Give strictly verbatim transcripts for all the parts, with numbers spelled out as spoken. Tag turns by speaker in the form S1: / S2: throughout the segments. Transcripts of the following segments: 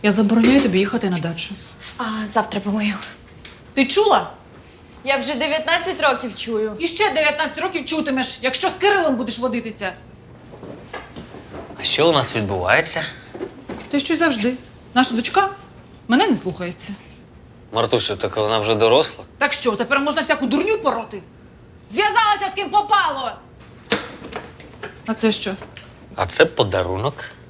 S1: Я забороняю тобі їхати на дачу.
S2: А завтра помию.
S1: Ти чула?
S2: Я вже дев'ятнадцять років чую.
S1: І ще дев'ятнадцять років чутимеш, якщо з Кирилом будеш водитися.
S3: А що у нас відбувається?
S1: Ти що завжди. Наша дочка мене не слухається.
S3: Мартусю, так вона вже доросла.
S1: Так що, тепер можна всяку дурню пороти? Зв'язалася з ким попало! А це що?
S3: А це подарунок.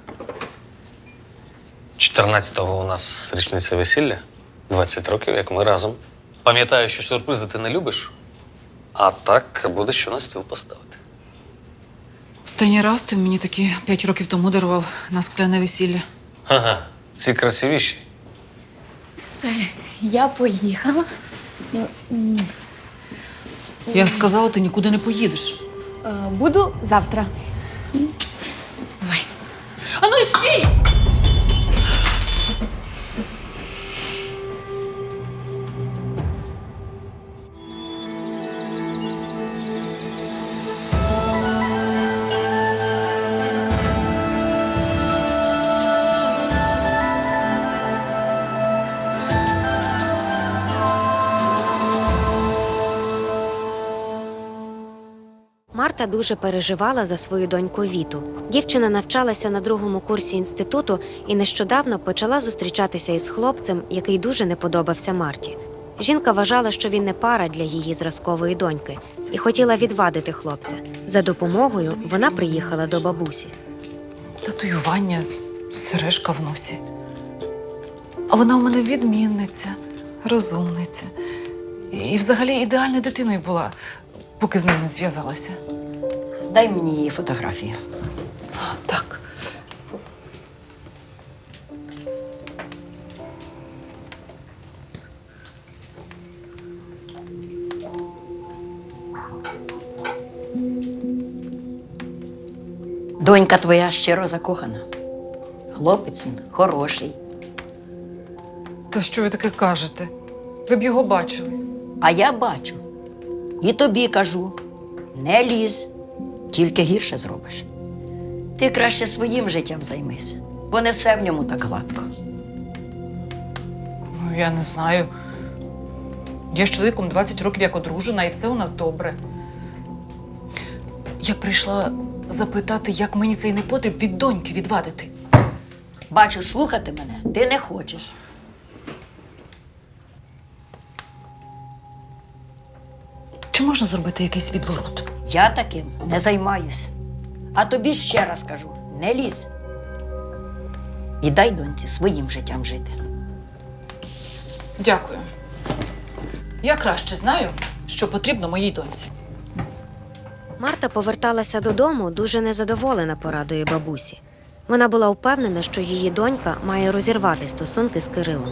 S3: чотирнадцятого у нас річниця весілля. двадцять років, як ми разом. Пам'ятаю, що сюрпризи ти не любиш. А так буде що на стіл поставити.
S1: Останній раз ти мені такі п'ять років тому дарував на скляне весілля.
S3: Ага, ці красивіші.
S2: Все, я поїхала.
S1: Я ж сказала, ти нікуди не поїдеш.
S2: Е, Буду завтра. Давай.
S1: А ну стій!
S4: Марта дуже переживала за свою доньку Віту. Дівчина навчалася на другому курсі інституту і нещодавно почала зустрічатися із хлопцем, який дуже не подобався Марті. Жінка вважала, що він не пара для її зразкової доньки, і хотіла відвадити хлопця. За допомогою вона приїхала до бабусі.
S1: Татуювання, сережка в носі. А вона у мене відмінниця, розумниця. І взагалі ідеальною дитиною була, поки з ним не зв'язалася.
S5: Дай мені її фотографію.
S1: Так.
S5: Донька твоя щиро закохана. Хлопець він хороший.
S1: Та що ви таке кажете? Ви б його бачили.
S5: А я бачу. І тобі кажу, не лізь, тільки гірше зробиш. Ти краще своїм життям займись, бо не все в ньому так гладко.
S1: Ну, я не знаю. Я з чоловіком двадцять років як одружена, і все у нас добре. Я прийшла запитати, як мені цей непотріб від доньки відвадити.
S5: Бачу, слухати мене ти не хочеш.
S1: Чи можна зробити якийсь відворот?
S5: Я таким не займаюсь. А тобі ще раз кажу, не лізь. І дай доньці своїм життям жити.
S1: Дякую. Я краще знаю, що потрібно моїй доньці.
S4: Марта поверталася додому дуже незадоволена порадою бабусі. Вона була впевнена, що її донька має розірвати стосунки з Кирилом.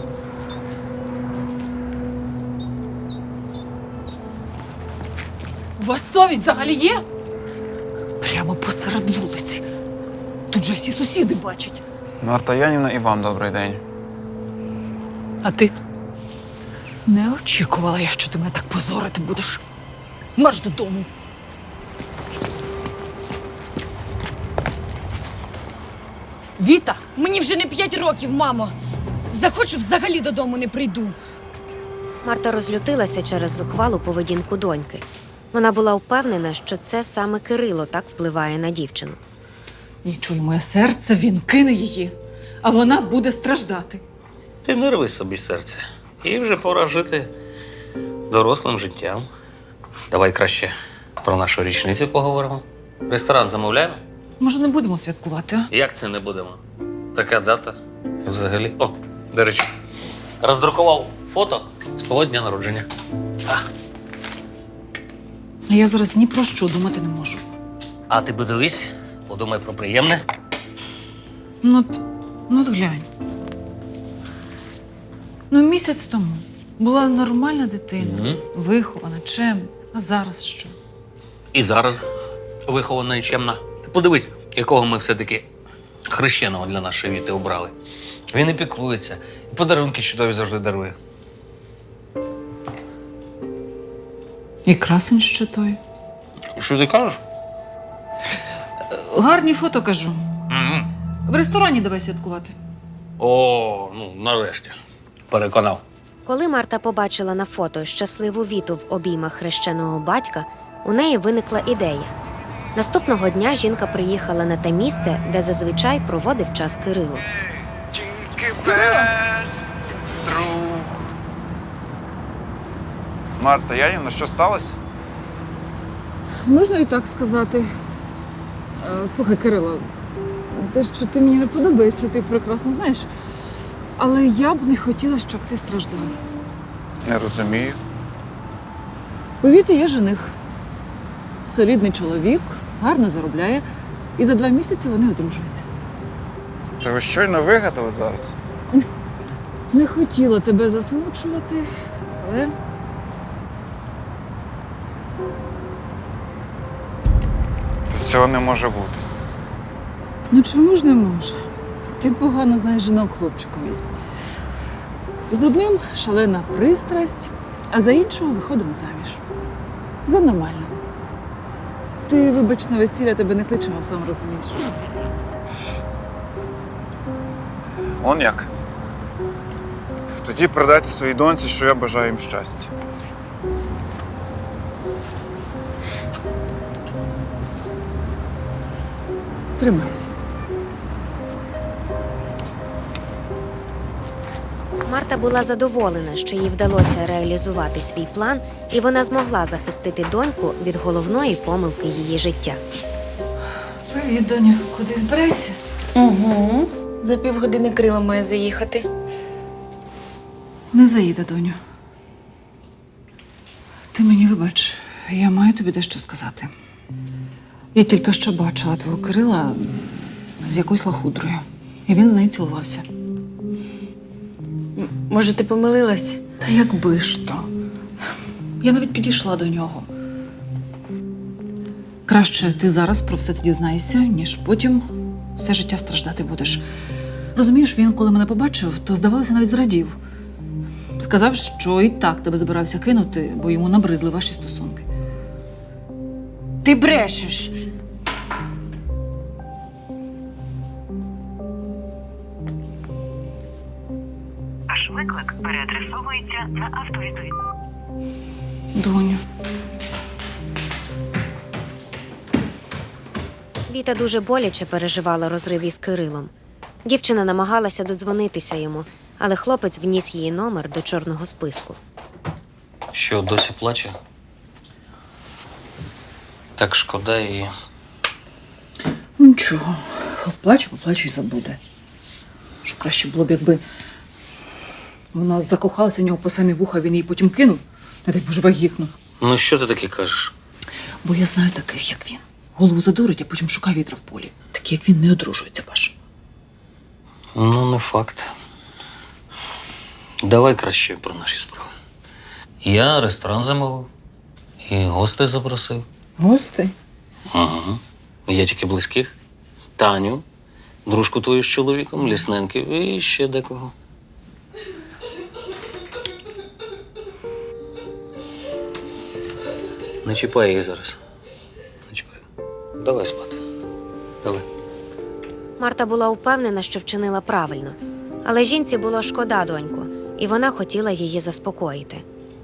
S1: У вас совість взагалі є? Прямо посеред вулиці. Тут же всі сусіди бачать.
S6: Марта Янівна, і вам добрий день.
S1: А ти? Не очікувала я, що ти мене так позорити будеш. Марш додому.
S2: Віта, мені вже не п'ять років, мамо. Захочу, взагалі додому не прийду.
S4: Марта розлютилася через зухвалу поведінку доньки. Вона була впевнена, що це саме Кирило так впливає на дівчину.
S1: Ні, чуй, моє серце, він кине її, а вона буде страждати.
S3: Ти не рви собі серце. І вже пора жити дорослим життям. Давай краще про нашу річницю поговоримо. Ресторан замовляємо?
S1: Може, не будемо святкувати, а?
S3: Як це не будемо? Така дата. Взагалі. О, до речі, роздрукував фото з твого дня народження. А,
S1: Я зараз ні про що думати не можу.
S3: а ти подивись, подумай про приємне.
S1: Ну от, ну от глянь. Ну, місяць тому була нормальна дитина,
S3: Мгм.
S1: вихована, чемна. А зараз що?
S3: І зараз вихована і чемна. Ти подивись, якого ми все-таки хрещеного для нашої Віти обрали. Він і піклується, і подарунки чудові завжди дарує.
S1: І красень що той.
S3: Що ти кажеш?
S1: Гарні фото, кажу.
S3: Угу.
S1: В ресторані давай святкувати.
S3: О, ну, нарешті. Переконав.
S4: Коли Марта побачила на фото щасливу Віту в обіймах хрещеного батька, у неї виникла ідея. Наступного дня жінка приїхала на те місце, де зазвичай проводив час Кирило.
S6: Марта Янівна, що сталося?
S1: Можна і так сказати. Е, Слухай, Кирило, те, що ти мені не подобаєшся, ти прекрасно знаєш. Але я б не хотіла, щоб ти страждав.
S6: Не розумію.
S1: У Віти є жених. Солідний чоловік, гарно заробляє. І за два місяці вони одружуються.
S6: Це ви щойно вигадали зараз?
S1: Не хотіла тебе засмучувати, але
S6: Цього не може бути.
S1: ну чому ж не може? Ти погано знаєш жінок, хлопчику мій. З одним шалена пристрасть, а за іншого виходимо заміж. За нормально. Ти, вибач, на весілля тебе не кличемо, сам розумієш.
S6: Он як? Тоді передайте своїй доньці, що я бажаю їм щастя.
S1: Тримайся.
S4: Марта була задоволена, що їй вдалося реалізувати свій план, і вона змогла захистити доньку від головної помилки її життя.
S1: Привіт, доню. Куди збираєшся?
S2: Угу. За півгодини Крила має заїхати.
S1: Не заїде, доню. Ти мені вибач, я маю тобі дещо сказати. Я тільки що бачила твого Кирила з якоюсь лахудрою. І він з нею цілувався.
S2: Може, ти помилилась?
S1: Та якби ж то. Я навіть підійшла до нього. Краще ти зараз про все це дізнаєшся, ніж потім все життя страждати будеш. Розумієш, він, коли мене побачив, то, здавалося, навіть зрадів. Сказав, що і так тебе збирався кинути, бо йому набридли ваші стосунки.
S2: Ти брешеш.
S7: Ваш виклик переадресовується на автовідповідь.
S1: Доню.
S4: Віта дуже боляче переживала розрив із Кирилом. Дівчина намагалася додзвонитися йому, але хлопець вніс її номер до чорного списку.
S3: Що, досі плаче? Так шкода її.
S1: Нічого. Поплачу, поплачу і забуде. Що краще було б, якби вона закохалася в нього по самі вуха, він її потім кинув. Не дай Боже, вагітну.
S3: Ну, що ти таке кажеш?
S1: Бо я знаю таких, як він. Голову задурить, а потім шукає вітра в полі. Такі, як він, не одружується, Паш.
S3: Ну, не факт. Давай краще про наші справи. Я ресторан замовив і гостей запросив.
S1: Гости?
S3: Ага. Я тільки близьких. Таню, дружку твою з чоловіком, Лісненків і ще декого. Не чіпай її зараз. Не чіпай. Давай спати. Давай.
S4: Марта була впевнена, що вчинила правильно. Але жінці було шкода доньку, і вона хотіла її заспокоїти.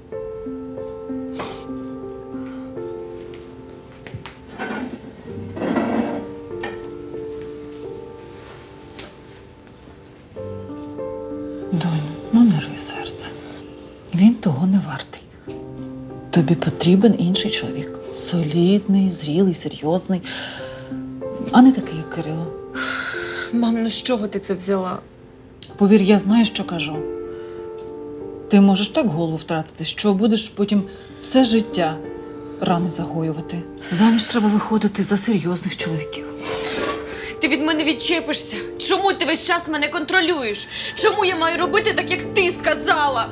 S1: Доню, ну не рви серце. Він того не вартий. Тобі потрібен інший чоловік. Солідний, зрілий, серйозний. А не такий, як Кирило.
S2: Мам, ну з чого ти це взяла?
S1: Повір, я знаю, що кажу. Ти можеш так голову втратити, що будеш потім все життя рани загоювати. Заміж треба виходити за серйозних чоловіків.
S2: Ти від мене відчепишся. Чому ти весь час мене контролюєш? Чому я маю робити так, як ти сказала?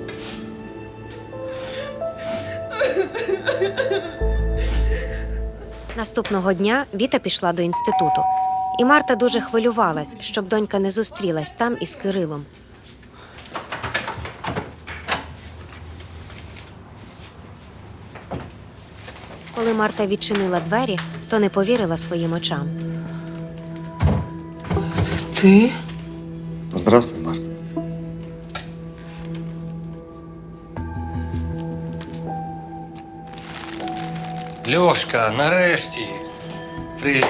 S4: Наступного дня Віта пішла до інституту. І Марта дуже хвилювалась, щоб донька не зустрілась там із Кирилом. Коли Марта відчинила двері, то не повірила своїм очам.
S1: Ти
S8: Здравствуй, Марта.
S3: Льошка, нарешті. Привіт.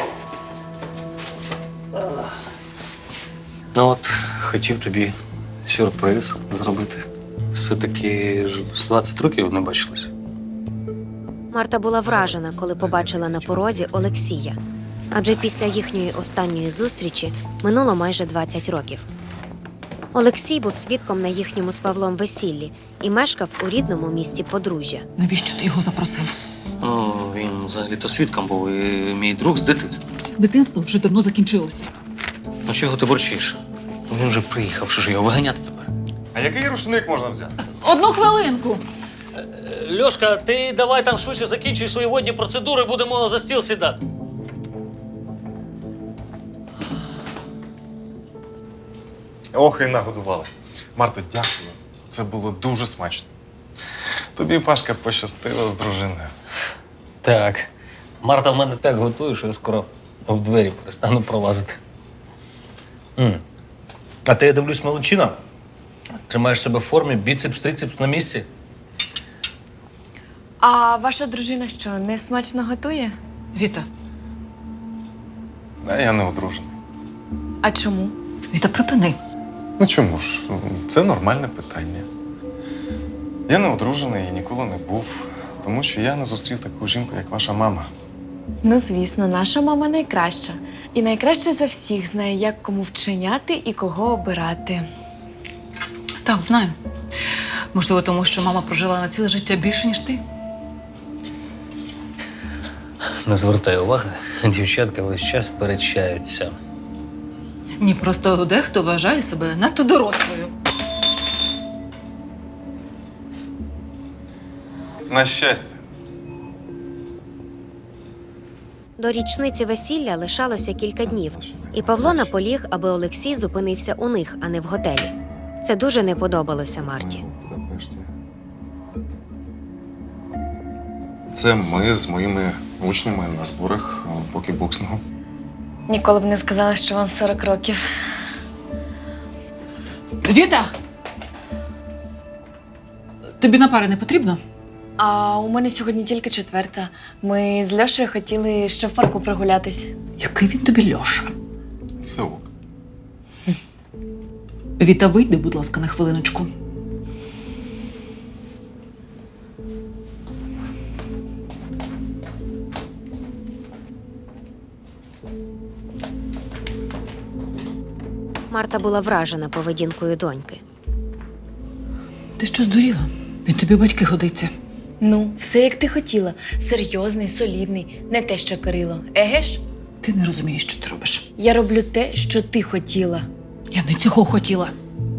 S3: Ну от, хотів тобі сюрприз зробити. Все-таки ж з двадцять років не бачились.
S4: Марта була вражена, коли побачила на порозі Олексія. Адже після їхньої останньої зустрічі минуло майже двадцять років. Олексій був свідком на їхньому з Павлом весіллі і мешкав у рідному місті подружжя.
S1: Навіщо ти його запросив?
S3: Ну, він взагалі-то свідком був і мій друг з дитинства.
S1: Дитинство вже давно закінчилося.
S3: Ну чого ти борчиш? Ну, він вже приїхав, що ж його виганяти тепер?
S8: А який рушник можна взяти?
S1: Одну хвилинку.
S3: Льошка, ти давай там швидше закінчуй свої водні процедури, будемо за стіл сідати.
S8: Ох, і нагодували. Марто, дякую. Це було дуже смачно. Тобі, Пашка, пощастило з дружиною.
S3: Так. Марта в мене так готує, що я скоро в двері перестану пролазити. М. А ти, я дивлюсь, молодчина. Тримаєш себе в формі, біцепс, трицепс на місці.
S2: А ваша дружина що, не смачно готує?
S1: Віта,
S8: А я не одружений.
S2: А чому?
S1: Віта, припини.
S8: Ну чому ж? Це нормальне питання. Я не одружений і ніколи не був, тому що я не зустрів таку жінку, як ваша мама.
S2: Ну, звісно, наша мама найкраща. І найкраще за всіх знає, як кому вчиняти і кого обирати.
S1: Так, знаю. Можливо, тому що мама прожила на ціле життя більше, ніж ти.
S3: Не звертай уваги, дівчатка весь час сперечаються.
S1: Ні, просто дехто вважає себе надто дорослою.
S8: На щастя.
S4: До річниці весілля лишалося кілька днів, і Павло наполіг, аби Олексій зупинився у них, а не в готелі. Це дуже не подобалося Марті.
S8: В Будапешті. Це ми з моїми учнями на зборах по кікбоксингу.
S2: Ніколи б не сказала, що вам сорок років.
S1: Віта! Тобі на пари не потрібно?
S2: А у мене сьогодні тільки четверта. Ми з Льошею хотіли ще в парку прогулятись.
S1: Який він тобі Льоша?
S8: Все ок.
S1: Віта, вийди, будь ласка, на хвилиночку.
S4: Марта була вражена поведінкою доньки.
S1: Ти що здуріла? Він тобі в батьки годиться.
S2: Ну, все як ти хотіла. Серйозний, солідний, не те, що Кирило. Еге ж?
S1: Ти не розумієш, що ти робиш.
S2: Я роблю те, що ти хотіла.
S1: Я не цього хотіла.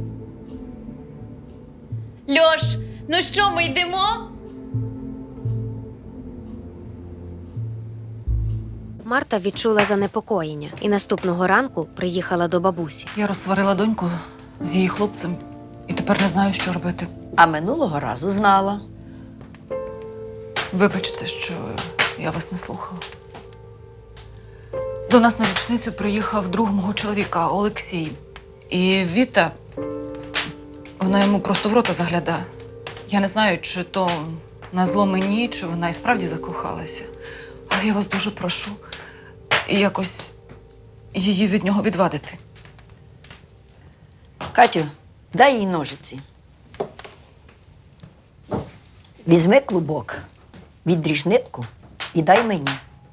S2: Льош, ну що, ми йдемо?
S4: Марта відчула занепокоєння і наступного ранку приїхала до бабусі.
S1: Я розсварила доньку з її хлопцем і тепер не знаю, що робити.
S5: А минулого разу знала.
S1: Вибачте, що я вас не слухала. До нас на річницю приїхав друг мого чоловіка Олексій. І Віта, вона йому просто в рота заглядає. Я не знаю, чи то на зло мені, чи вона і справді закохалася. Але я вас дуже прошу якось її від нього відвадити.
S5: Катю, дай їй ножиці. Візьми клубок, відріж нитку і дай мені.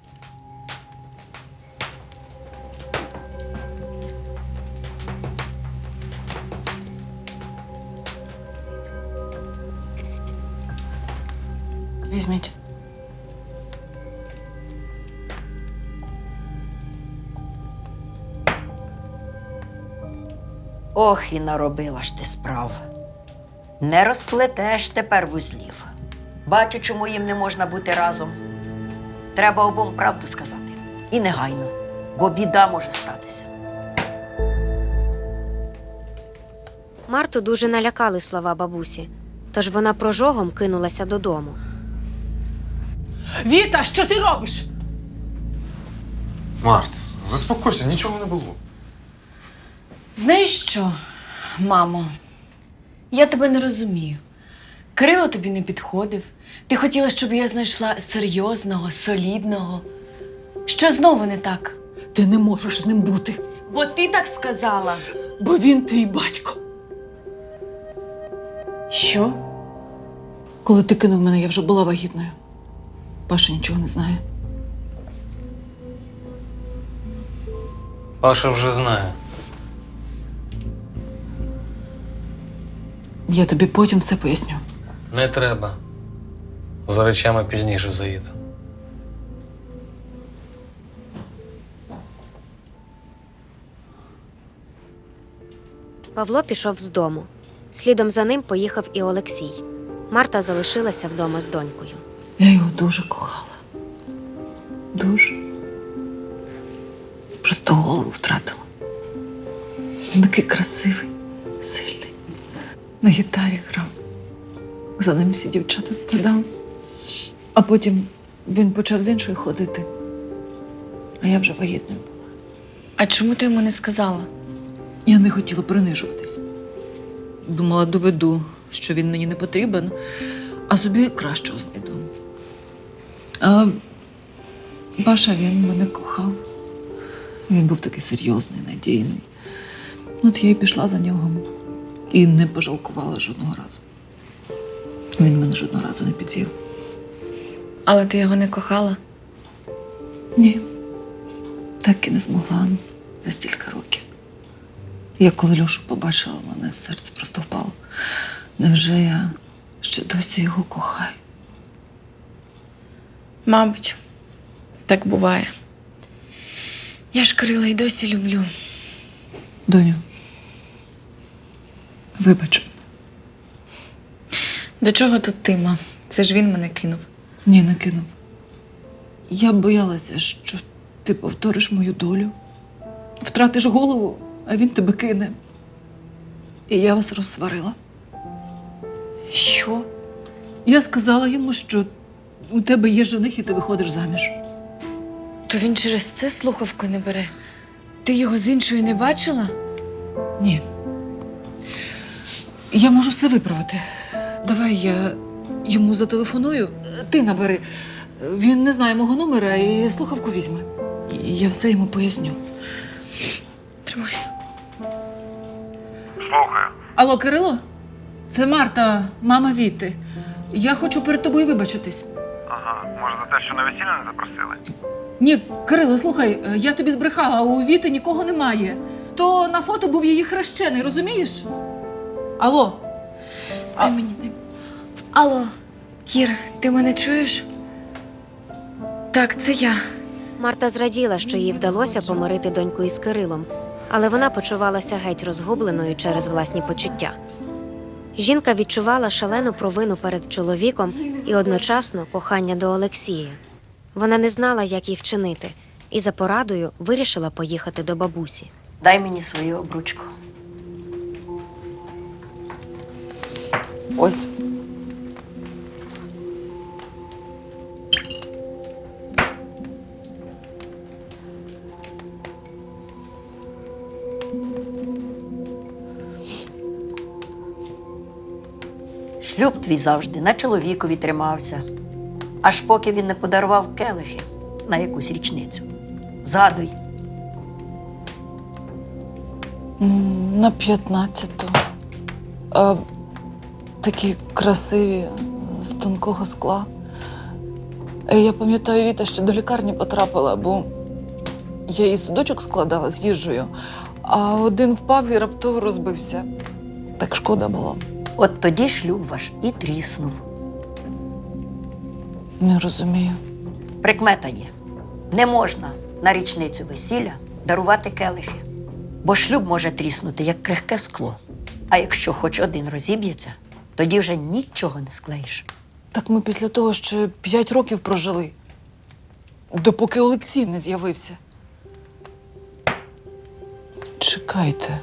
S1: Візьміть.
S5: Ох, і наробила ж ти справ. Не розплетеш тепер вузлів. Бачу, чому їм не можна бути разом. Треба обом правду сказати. І негайно, бо біда може статися.
S4: Марту дуже налякали слова бабусі, тож вона прожогом кинулася додому.
S1: Віта, що ти робиш?
S8: Март, заспокойся, нічого не було.
S2: Знаєш що, мамо? Я тебе не розумію. Кирило тобі не підходив. Ти хотіла, щоб я знайшла серйозного, солідного. Що знову не так?
S1: Ти не можеш з ним бути,
S2: Бо ти так сказала.
S1: бо він твій батько.
S2: Що?
S1: Коли ти кинув мене, я вже була вагітною. Паша нічого не знає.
S3: Паша вже знає.
S1: Я тобі потім все поясню.
S3: Не треба. За речами пізніше заїду.
S4: Павло пішов з дому. Слідом за ним поїхав і Олексій. Марта залишилася вдома з донькою.
S1: Я його дуже кохала. Дуже. Просто голову втратила. Він такий красивий, сильний. На гітарі грав. За ним всі дівчата впадали. А потім він почав з іншою ходити. А я вже вагітною була.
S2: А чому ти йому не сказала?
S1: Я не хотіла принижуватись. Думала, доведу, що він мені не потрібен, а собі кращого знайду. А Паша, він мене кохав. Він був такий серйозний, надійний. От я й пішла за нього і не пожалкувала жодного разу. Він мене жодного разу не підвів.
S2: Але ти його не кохала?
S1: Ні, так і не змогла за стільки років. Я коли Льошу побачила, в мене серце просто впало. Невже я ще досі його кохаю?
S2: Мабуть, так буває. Я ж Кирила й досі люблю.
S1: Доню, вибач.
S2: До чого тут ти, ма? Це ж він мене кинув.
S1: Ні, не кинув. Я боялася, що ти повториш мою долю, втратиш голову, а він тебе кине. І я вас розсварила.
S2: Що?
S1: Я сказала йому, що у тебе є жених і ти виходиш заміж.
S2: То він через це слухавку не бере? Ти його з іншою не бачила?
S1: Ні. Я можу все виправити. Давай я йому зателефоную, ти набери. Він не знає мого номера і слухавку візьме. І я все йому поясню.
S2: Тримай.
S6: Слухаю.
S1: Алло, Кирило? Це Марта, мама Віти. Я хочу перед тобою вибачитись.
S6: Ага, може за те, що на весілля не запросили?
S1: Ні, Кирило, слухай, я тобі збрехала, а у Віти нікого немає. То на фото був її хрещений, розумієш? Алло?
S2: Дай мені, дай. Алло, Кір, ти мене чуєш? Так, це я.
S4: Марта зраділа, що їй вдалося помирити доньку із Кирилом, але вона почувалася геть розгубленою через власні почуття. Жінка відчувала шалену провину перед чоловіком і одночасно кохання до Олексія. Вона не знала, як їй вчинити, і за порадою вирішила поїхати до бабусі.
S5: Дай мені свою обручку.
S1: Ось.
S5: Шлюб твій завжди на чоловікові тримався, аж поки він не подарував келихи на якусь річницю. Згадуй.
S1: М, На п'ятнадцяту. А, такі красиві, з тонкого скла. Е, Я пам'ятаю, Віта ще до лікарні потрапила, бо я її судочок складала з їжею, а один впав і раптово розбився. Так шкода було.
S5: От тоді шлюб ваш і тріснув.
S1: Не розумію.
S5: Прикмета є. Не можна на річницю весілля дарувати келихи, бо шлюб може тріснути, як крихке скло. А якщо хоч один розіб'ється, тоді вже нічого не склеїш.
S1: Так ми після того ще п'ять років прожили, допоки Олексій не з'явився. Чекайте.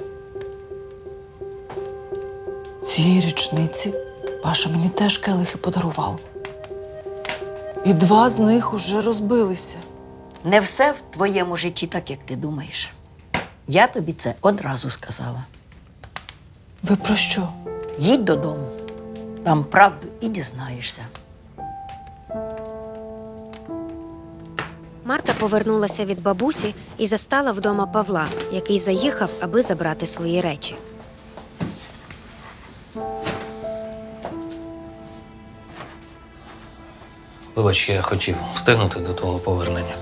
S1: Цієї річниці Паша мені теж келихи подарував. І два з них уже розбилися.
S5: Не все в твоєму житті так, як ти думаєш. Я тобі це одразу сказала.
S1: Ви про що?
S5: Їдь додому, там правду і дізнаєшся.
S4: Марта повернулася від бабусі і застала вдома Павла, який заїхав, аби забрати свої речі.
S3: Вибач, я хотів встигнути до того повернення.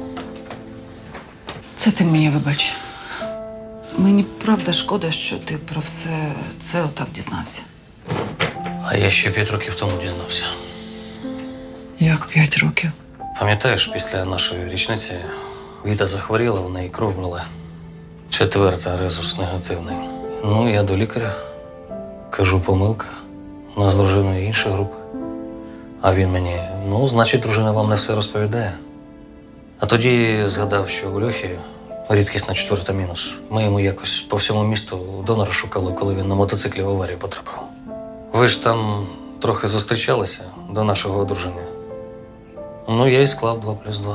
S1: Це ти мені вибач. Мені правда шкода, що ти про все це отак дізнався.
S3: А я ще п'ять років тому дізнався.
S1: Як п'ять років?
S3: Пам'ятаєш, після нашої річниці Віта захворіла, в неї кров була. Четверта резус негативний. Ну, я до лікаря. Кажу, помилка. У нас з дружиною інша група. А він мені, ну, значить, дружина вам не все розповідає. А тоді згадав, що у Льохі рідкісна четверта мінус. Ми йому якось по всьому місту донора шукали, коли він на мотоциклі в аварію потрапив. Ви ж там трохи зустрічалися до нашого одруження. Ну, я і склав два плюс два.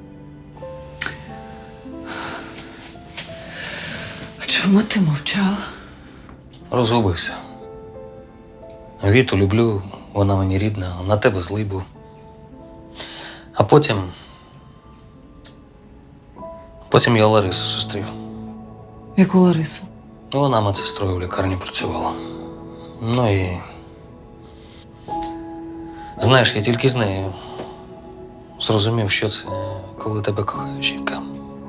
S1: А чому ти мовчала?
S3: Розгубився. Віту люблю, вона мені рідна, на тебе злий був. А потім. Потім я Ларису зустрів.
S1: Яку Ларису?
S3: Вона медсестрою в лікарні працювала. Ну і. Знаєш, я тільки з нею зрозумів, що це, коли тебе кохає жінка.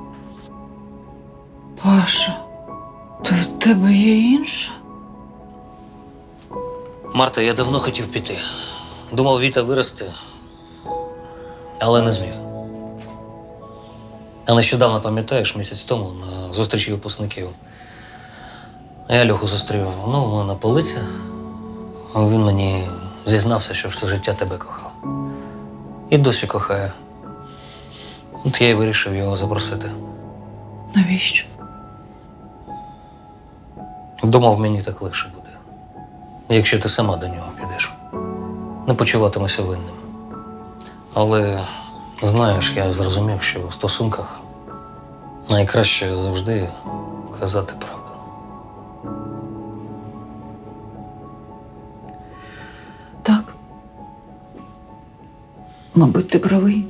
S1: Паша, то в тебе є інша?
S3: Марта, я давно хотів піти. Думав, Віта виросте, але не зміг. А нещодавно, пам'ятаєш, місяць тому на зустрічі випускників. Я Льоху зустрів, ну, ми на полиці. Він мені зізнався, що все життя тебе кохав. І досі кохає. От я й вирішив його запросити.
S1: Навіщо?
S3: Думав, мені так легше буде, якщо ти сама до нього підеш. Не почуватимуся винним. Але, знаєш, я зрозумів, що в стосунках найкраще завжди казати правду.
S1: Так. Мабуть, ти правий.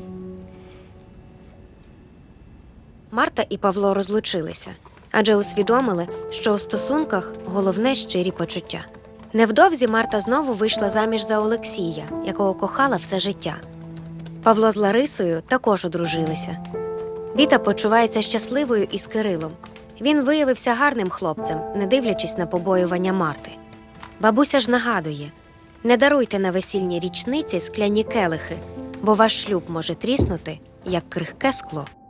S4: Марта і Павло розлучилися, адже усвідомили, що у стосунках головне щирі почуття. Невдовзі Марта знову вийшла заміж за Олексія, якого кохала все життя. Павло з Ларисою також одружилися. Віта почувається щасливою із Кирилом. Він виявився гарним хлопцем, не дивлячись на побоювання Марти. Бабуся ж нагадує: не даруйте на весільні річниці скляні келихи, бо ваш шлюб може тріснути, як крихке скло.